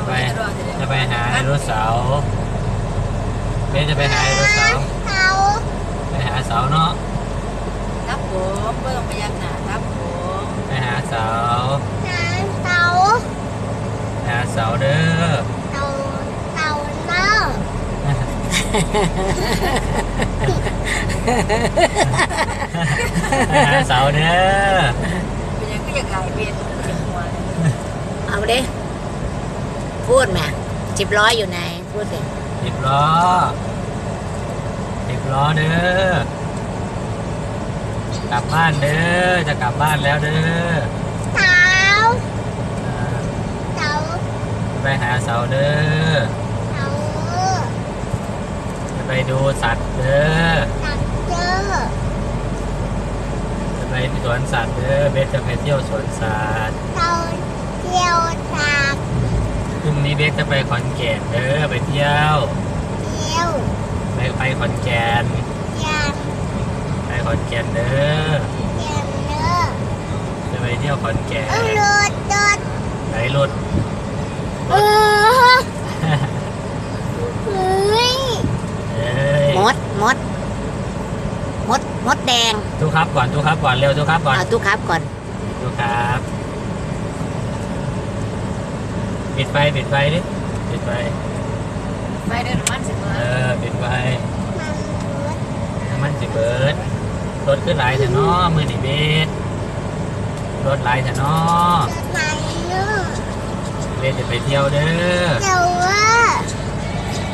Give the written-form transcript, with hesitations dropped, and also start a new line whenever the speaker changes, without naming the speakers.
จะไปหาไดโนเสาร์เบสจะไปหาไดโนเสาร์ไปหาเสาเนาะ
ครับผมเบิ่งพยักหน้าครับผม
ไปหาเสาไปหาเสาเด้อไปหาเสาเด้อ
เป็นยังก็อยากหลายเบียนเจ็บหัว
เอาดิพูดมา10 ล้ออยู่ไหนพูดสิ
10 ล้อเด้อกลับบ้านเด้อจะกลับบ้านแล้วเด้อไปหาเสาเด้อจะไปดูสัตว์เด้อจะไปสวนสัตว์เด้อเบสจะไปเที่ยวสวนสัตว์พรุ่งนี้เบสจะไปขอนแก่นเด้อไปเที่ยวไปขอนแก่นไปขอนแก่นเด้อจะไปเที่ยวขอนแก่นไหนรถ
มดแดง
ทุกครับก่อนเร็วทุกครับก่อน
ทุกครับก่อน
ทุกครับปิดไฟดิปิดไฟ
เดินมันสิเบิ
ดปิดไฟมันสิเบิดรถขึ้นหลายแต่น้อมือหนีเบสรถหลายแต่น้อเบสจะไปเที่ยวเด้อ